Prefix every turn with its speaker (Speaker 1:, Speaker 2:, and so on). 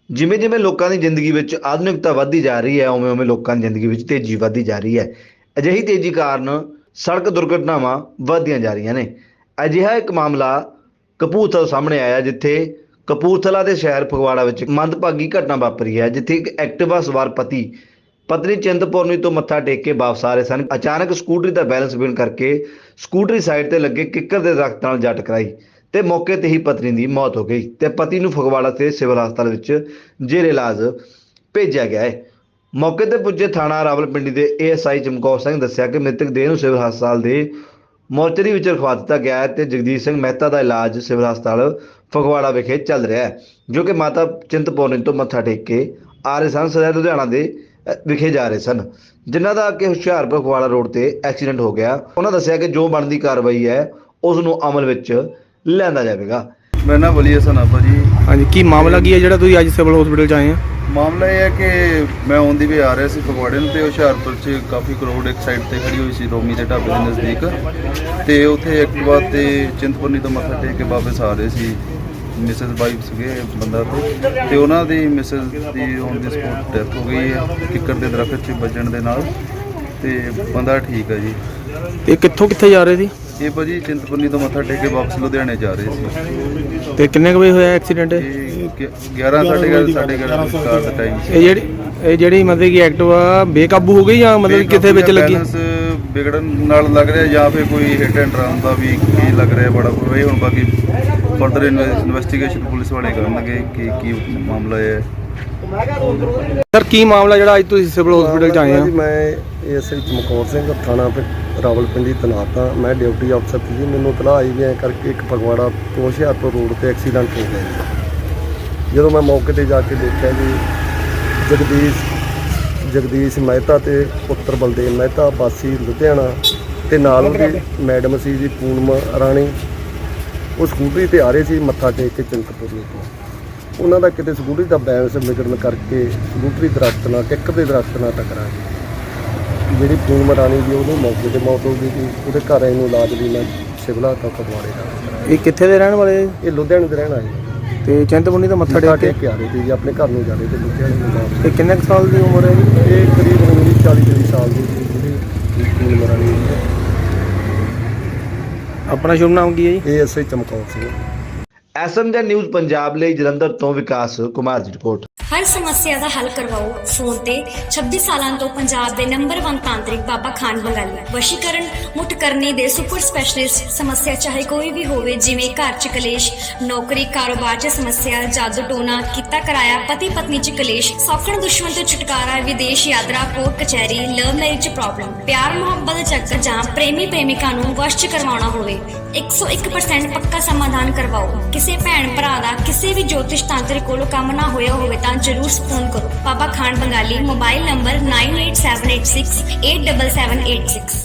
Speaker 1: ਜਿਵੇਂ ਜਿਵੇਂ ਲੋਕਾਂ ਦੀ ਜ਼ਿੰਦਗੀ ਵਿੱਚ ਆਧੁਨਿਕਤਾ ਵੱਧਦੀ ਜਾ ਰਹੀ ਹੈ, ਉਵੇਂ ਉਵੇਂ ਲੋਕਾਂ ਦੀ ਜ਼ਿੰਦਗੀ ਵਿੱਚ ਤੇਜ਼ੀ ਵੱਧਦੀ ਜਾ ਰਹੀ ਹੈ। ਅਜਿਹੀ ਤੇਜ਼ੀ ਕਾਰਨ ਸੜਕ ਦੁਰਘਟਨਾਵਾਂ ਵੱਧਦੀਆਂ ਜਾ ਰਹੀਆਂ ਨੇ। ਅਜਿਹਾ ਇੱਕ ਮਾਮਲਾ ਕਪੂਰਥਲਾ ਤੋਂ ਸਾਹਮਣੇ ਆਇਆ, ਜਿੱਥੇ ਕਪੂਰਥਲਾ ਦੇ ਸ਼ਹਿਰ ਫਗਵਾੜਾ ਵਿੱਚ ਮੰਦਭਾਗੀ ਘਟਨਾ ਵਾਪਰੀ ਹੈ, ਜਿੱਥੇ ਇੱਕ ਐਕਟਿਵਾ ਸਵਾਰ ਪਤੀ ਪਤਨੀ ਚਿੰਤਪੁਰਨੀ ਤੋਂ ਮੱਥਾ ਟੇਕ ਕੇ ਵਾਪਸ ਆ ਰਹੇ ਸਨ। ਅਚਾਨਕ ਸਕੂਟਰੀ ਦਾ ਬੈਲੈਂਸ ਵਿਗੜਨ ਕਰਕੇ ਸਕੂਟਰੀ ਸਾਈਡ ਤੇ ਲੱਗੇ ਕਿੱਕਰ ਦੇ ਦਰਖਤ ਨਾਲ ਜਾ ਟਕਰਾਈ ਤੇ ਮੌਕੇ ਤੇ ਹੀ ਪਤਨੀ ਦੀ ਮੌਤ ਹੋ ਗਈ ਤੇ ਪਤੀ ਨੂੰ ਫਗਵਾੜਾ ਤੇ ਸਿਵਲ ਹਸਪਤਾਲ ਵਿੱਚ ਜੇਰੇ ਇਲਾਜ ਭੇਜਿਆ ਗਿਆ ਹੈ। ਮੌਕੇ ਤੇ ਪੁੱਜੇ ਥਾਣਾ ਰਾਵਲਪਿੰਡੀ ਦੇ ਏਐਸਆਈ ਚਮਕੌਰ ਸਿੰਘ ਦੱਸਿਆ ਕਿ ਮ੍ਰਿਤਕ ਦੇਹ ਨੂੰ ਸਿਵਲ ਹਸਪਤਾਲ ਦੇ ਮੋਰਚਰੀ ਵਿੱਚ ਰਖਵਾ ਦਿੱਤਾ ਗਿਆ ਹੈ ਤੇ ਜਗਦੀਸ਼ ਸਿੰਘ ਮਹਿਤਾ ਦਾ ਇਲਾਜ ਸਿਵਲ ਹਸਪਤਾਲ ਫਗਵਾੜਾ ਵਿਖੇ ਚੱਲ ਰਿਹਾ ਹੈ, ਜੋ ਕਿ ਮਾਤਾ ਚਿੰਤਪੁਰਨੀ ਤੋਂ ਮੱਥਾ ਟੇਕ ਕੇ ਆ ਰਹੇ ਸਨ। ਸਦਾ ਲੁਧਿਆਣਾ ਦੇ ਵਿਖੇ ਜਾ ਰਹੇ ਸਨ, ਜਿਨ੍ਹਾਂ ਦਾ ਕਿ ਹੁਸ਼ਿਆਰਪੁਰ ਫਗਵਾੜਾ ਰੋਡ ਤੇ ਐਕਸੀਡੈਂਟ ਹੋ ਗਿਆ। ਉਹਨਾਂ ਦੱਸਿਆ ਕਿ ਜੋ ਬਣਦੀ ਕਾਰਵਾਈ ਹੈ ਉਸ ਨੂੰ ਅਮਲ ਵਿੱਚ ਲਿਆਂਦਾ ਜਾਵੇਗਾ।
Speaker 2: ਮੇਰਾ ਨਾਮ ਵਲੀ ਹਸਨ ਆ ਭਾਜੀ।
Speaker 3: ਹਾਂਜੀ, ਕੀ ਮਾਮਲਾ ਕੀ ਹੈ ਜਿਹੜਾ ਤੁਸੀਂ ਅੱਜ ਸਿਵਲ ਹਸਪੀਟਲ 'ਚ ਆਏ ਆ?
Speaker 2: ਮਾਮਲਾ ਇਹ ਹੈ ਕਿ ਮੈਂ ਔਨ ਦੀ ਵੇ ਆ ਰਿਹਾ ਸੀ ਫਗਵਾੜੇ ਨੂੰ, ਤੇ ਹੁਸ਼ਿਆਰਪੁਰ 'ਚ ਕਾਫੀ ਕਰੋੜ ਇੱਕ ਸਾਈਡ ਤੇ ਖੜੀ ਹੋਈ ਸੀ ਰੋਮੀ ਦੇ ਢਾਬੇ ਦੇ ਨਜ਼ਦੀਕ, ਤੇ ਉੱਥੇ ਐਕਟਿਵਾ ਤੇ ਚਿੰਤਪੁਰਨੀ ਤੋਂ ਮੱਥਾ ਟੇਕ ਕੇ ਵਾਪਸ ਆ ਰਹੇ ਸੀ। ਮਿਸਿਸ ਵਾਈਫ ਸੀਗੇ ਬੰਦਾ ਤੇ ਉਹਨਾਂ ਦੀ ਮਿਸਿਸ ਦੀ ਔਨ ਦੀ ਸਪੋਟ ਡੈਥ ਹੋ ਗਈ ਹੈ ਕਿੱਕਰ ਦੇ ਦਰਖਤ 'ਚ ਵੱਜਣ ਦੇ ਨਾਲ, ਤੇ ਬੰਦਾ ਠੀਕ ਹੈ ਜੀ।
Speaker 3: ਇਹ ਕਿੱਥੋਂ ਕਿੱਥੇ ਜਾ ਰਹੇ ਸੀ?
Speaker 2: ਇਹ ਭਾਜੀ ਚਿੰਤਪੁਰਨੀ ਤੋਂ ਮੱਥਾ ਟੇਕ ਕੇ ਵਾਪਸ ਲੁਧਿਆਣੇ ਜਾ ਰਹੇ ਸੀ।
Speaker 3: ਤੇ ਕਿੰਨੇ ਕੁ ਵਜੇ ਹੋਇਆ ਐਕਸੀਡੈਂਟ?
Speaker 2: ਇਹ 11 ਸਾਢੇ 11 ਕਾਰ ਦਾ ਟਾਈਮ ਸੀ।
Speaker 3: ਇਹ ਜਿਹੜੀ ਮਤਲਬ ਕਿ ਐਕਟਿਵਾ ਬੇਕਾਬੂ ਹੋ ਗਈ ਜਾਂ ਮਤਲਬ ਕਿੱਥੇ ਵਿੱਚ ਲੱਗੀ?
Speaker 2: ਬੈਲੈਂਸ ਵਿਗੜਨ ਨਾਲ ਲੱਗ ਰਿਹਾ ਜਾਂ ਫਿਰ ਕੋਈ ਹਿੱਟ ਐਂਡ ਰਨ ਦਾ ਵੀ ਕੀ ਲੱਗ ਰਿਹਾ ਬੜਾ ਕੋਈ। ਹੁਣ ਬਾਕੀ ਫਰਦਰ ਇਨਵੈਸਟੀਗੇਸ਼ਨ ਪੁਲਿਸ ਵਾਲੇ ਕਰਨਗੇ ਕਿ ਕੀ ਮਾਮਲਾ ਹੈ।
Speaker 3: ਸਰ, ਕੀ ਮਾਮਲਾ ਜਿਹੜਾ ਅੱਜ ਤੁਸੀਂ ਸਿਵਲ ਹਸਪੀਟਲ 'ਚ ਆਏ ਆ?
Speaker 4: ਮੈਂ ਏਐਸਆਈ ਚਮਕੌਰ ਸਿੰਘ ਥਾਣਾ ਰਾਵਲਪਿੰਡੀ ਤੈਨਾਤ ਹਾਂ। ਮੈਂ ਡਿਊਟੀ ਅਫਸਰ ਸੀ। ਮੈਨੂੰ ਇਤਲਾਹ ਆਈ ਵੀ ਐਂ ਕਰਕੇ ਇੱਕ ਫਗਵਾੜਾ ਤੋਂ ਹੁਸ਼ਿਆਰਪੁਰ ਰੋਡ ਤੇ ਐਕਸੀਡੈਂਟ ਹੋ ਗਿਆ ਜੀ। ਜਦੋਂ ਮੈਂ ਮੌਕੇ ਤੇ ਜਾ ਕੇ ਦੇਖਿਆ ਜੀ, ਜਗਦੀਸ਼ ਮਹਿਤਾ ਤੇ ਪੁੱਤਰ ਬਲਦੇਵ ਮਹਿਤਾ ਵਾਸੀ ਲੁਧਿਆਣਾ ਤੇ ਨਾਲ ਉਹਦੀ ਮੈਡਮ ਸੀ ਜੀ ਪੂਨਮ ਰਾਣੀ, ਉਹ ਸਕੂਟਰੀ ਤੇ ਆ ਰਹੇ ਸੀ ਮੱਥਾ ਟੇਕ ਕੇ ਚਿੰਤਪੁਰਨੀ ਤੋਂ। ਉਹਨਾਂ ਦਾ ਕਿਤੇ ਸਕੂਟਰੀ ਦਾ ਬੈਲੈਂਸ ਵਿਗੜਨ ਕਰਕੇ ਸਕੂਟਰੀ ਦਰਖਤ ਨਾਲ ਕਿੱਕਰ ਦੇ ਦਰਖਤ ਨਾਲ ਟਕਰਾ ਗਈ। ਜਿਹੜੀ ਪੂਨਮ ਰਾਣੀ ਦੀ ਉਹਨੂੰ ਮੌਕੇ ਤੇ ਮੌਤ ਹੋ ਗਈ ਸੀ। ਉਹਦੇ ਘਰ ਆਏ ਨੂੰ ਇਲਾਜ ਲਈ ਮੈਂ ਸਿਵਲ ਹਸਪਤਾਲ ਫਗਵਾੜੇ ਦਾ।
Speaker 3: ਇਹ ਕਿੱਥੇ ਦੇ ਰਹਿਣ ਵਾਲੇ?
Speaker 4: ਇਹ ਲੁਧਿਆਣੇ ਦੇ ਰਹਿਣ ਆਏ
Speaker 3: ਤੇ ਚਿੰਤਪੁਰਨੀ ਤੋਂ ਮੱਥਾ ਟੇਕ
Speaker 4: ਕੇ ਆ ਰਹੇ ਸੀ ਜੀ, ਆਪਣੇ ਘਰ ਨੂੰ ਜਾ ਰਹੇ ਤੇ ਲੁਧਿਆਣੇ ਨੂੰ ਵਾਪਸ।
Speaker 3: ਇਹ ਕਿੰਨੇ ਕੁ ਸਾਲ ਦੀ ਉਮਰ ਹੈ ਜੀ?
Speaker 4: ਇਹ ਕਰੀਬ ਹੋਣੀ 40 ਸਾਲ ਦੀ ਸੀ ਜਿਹੜੀ ਪੂਨਮ ਰਾਣੀ ਹੈ।
Speaker 3: ਆਪਣਾ ਸ਼ੁਭ ਨਾਮ ਕੀ ਹੈ ਜੀ?
Speaker 4: ASI Chamkaur Singh.
Speaker 1: SMG news Punjab ਲਈ ਜਲੰਧਰ ਤੋਂ ਵਿਕਾਸ ਕੁਮਾਰ ਦੀ ਰਿਪੋਰਟ।
Speaker 5: हर समस्या का हल करवाओ फोन ते 26 सालों तो पंजाब के नंबर 1 तांत्रिक बाबा खान बंगाली। वशीकरण मुठ करने दे सुपर स्पैशलिस्ट। समस्या चाहे कोई भी होवे, जिवें घर च कलेश, नौकरी कारोबार च समस्या, जादू टोना किता कराया, पति पत्नी च कलेश, सौखण दुश्मन तो छुटकारा, विदेश यात्रा, कोर्ट कचहरी, लव मैरिज प्रॉब्लम, प्यार मुहब्बत चक्कर जां प्रेमी प्रेमिका नूं वश च करवाउणा होवे, 101% पक्का समाधान करवाओ। किसी भैन भरा दा किसी भी ज्योतिष तांत्रिक कोलों काम ना होया होवे तां जरूर फोन करो। बाबा खान बंगाली। Mobile number 9878687786।